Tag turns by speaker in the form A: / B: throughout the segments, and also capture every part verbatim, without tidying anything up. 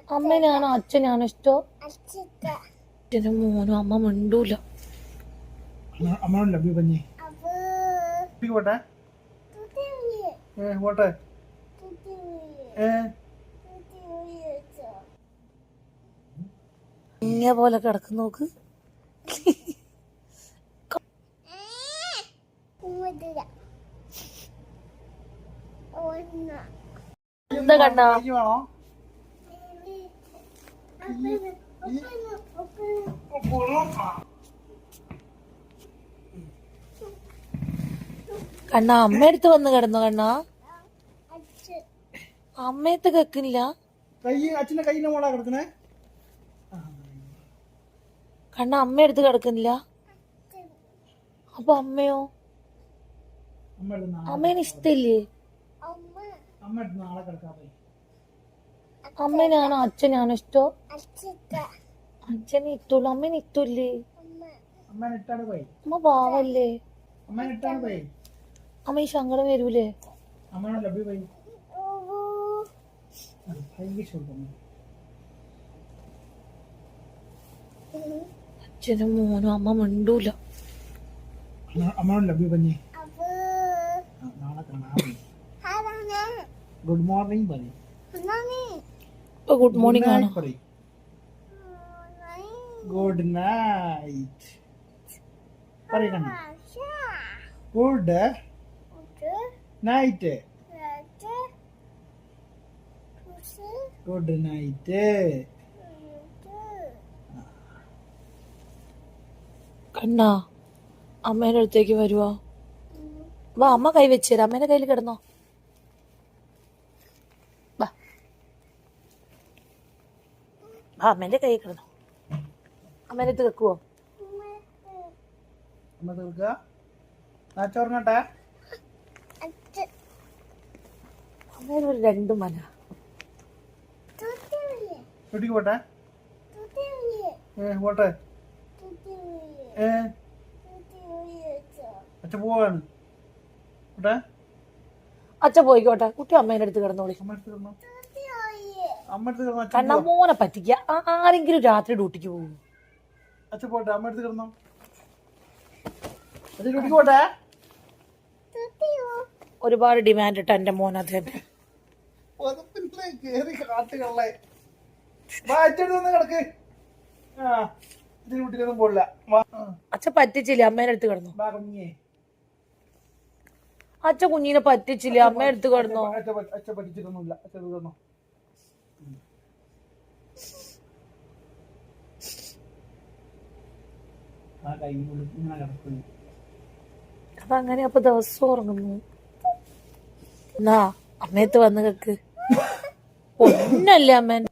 A: അമ്മേനാണോ അച്ഛനാണോ ഇഷ്ടോ? അച്ഛനും മോനും. അമ്മ മിണ്ടൂല. ഇങ്ങനെ പോലെ കിടക്കുന്നു നോക്ക്. എന്താ കണ്ണാ? കണ്ണാ അമ്മയടുത്ത് വന്ന് കിടന്നു. കണ്ണാ അമ്മയത്ത് കേക്കില്ല. കണ്ണ അമ്മയടുത്ത് കിടക്കുന്നില്ല. അപ്പൊ അമ്മയോ? അമ്മേനെ ഇഷ്ടല്ലേ? അമ്മേനാണോ അച്ഛനാണോ ഇഷ്ടോ? അച്ഛനെ ഇട്ടുള്ളൂ. അമ്മേനെ ഇട്ടല്ലേ? അമ്മ പാവല്ലേ? അമ്മ ഈ സങ്കടം വരൂലേ? അച്ഛനും മോനും. അമ്മ മിണ്ടൂല.
B: ഗുഡ് മോർണിംഗ് പറയും.
A: ഗുഡ് മോർണിംഗ് ആണ്.
B: ഗുഡ് നൈറ്റ് പറയണം. Good night. Good night.
A: കണ്ണാ അമ്മേന്റെ അടുത്തേക്ക് വരുവാ. വാ അമ്മ കൈ വെച്ചേരാ. അമ്മേന്റെ കയ്യിൽ കിടന്നോ. വാ അമ്മേന്റെ കൈ കിടന്നോ. അമ്മേന്റെ അടുത്ത് വെക്കുവോ? അമ്മേനൊരു രണ്ടു മന.
B: പോട്ടെ പോട്ടെ അച്ഛ പോവാണ്.
A: അച്ഛ പോയിക്കോട്ടെ. കുട്ടി അമ്മേന്റെ അടുത്ത് കിടന്നോളി. കണ്ണാ മോനെ പറ്റിക്ക. ആരെങ്കിലും രാത്രി ഡ്യൂട്ടിക്ക് പോകും.
B: അച്ഛ പോട്ടെ. അമ്മ അടുത്ത് കിടന്നോ. ഡ്യൂട്ടിക്ക് പോട്ടെ.
A: ഒരുപാട് ഡിമാൻഡ് ഇട്ട എന്റെ മോൻ. അത് തന്നെ
B: കേറി കാട്ടുകളെ. കിടക്ക്. ഡ്യൂട്ടിക്കൊന്നും പോടില്ല.
A: അച്ഛ പറ്റിച്ചില്ല. അമ്മേന്റെ അടുത്ത് കിടന്നോ. അച്ഛ കുഞ്ഞിനെ പറ്റിച്ചില്ല. അമ്മ എടുത്ത് കിടന്നോ.
B: അച്ഛ പറ്റിച്ചിട്ടൊന്നുമില്ല. അച്ഛ കിടന്നോ.
A: അപ്പൊ അങ്ങനെ അപ്പൊ ദിവസം ഉറങ്ങുന്നു. എന്നാ അമ്മയത്ത് വന്ന് കേക്ക്. ഒന്നല്ലേ അമ്മേൻ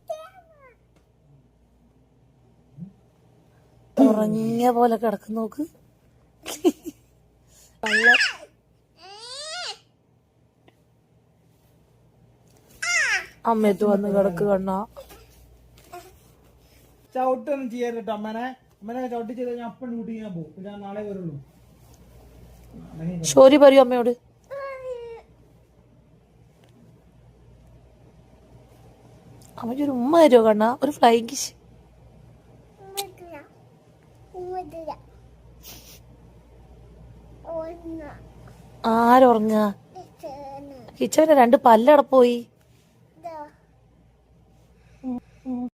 A: ഉറങ്ങിയ പോലെ കിടക്കുന്നു നോക്ക്. അമ്മയത്ത് വന്ന് കിടക്ക്. കണ്ണാ
B: ചവിട്ടൊന്നും ചെയ്യാറിട്ടോ അമ്മനെ. അമ്മനെ ചവിട്ടി ചെയ്ത് ഞാൻ അപ്പം ഡ്യൂട്ടി ചെയ്യാൻ പോകും. ഞാൻ നാളെ വരുള്ളൂ.
A: സോറി പറയൂ അമ്മയോട്. അമ്മയ്ക്കൊരു ഉമ്മ തരുമോ കണ്ണാ? ഒരു ഫ്ലൈങ് കിസ്. ആരുറങ്ങ? കിച്ചവന്റെ രണ്ട് പല്ലട പോയി.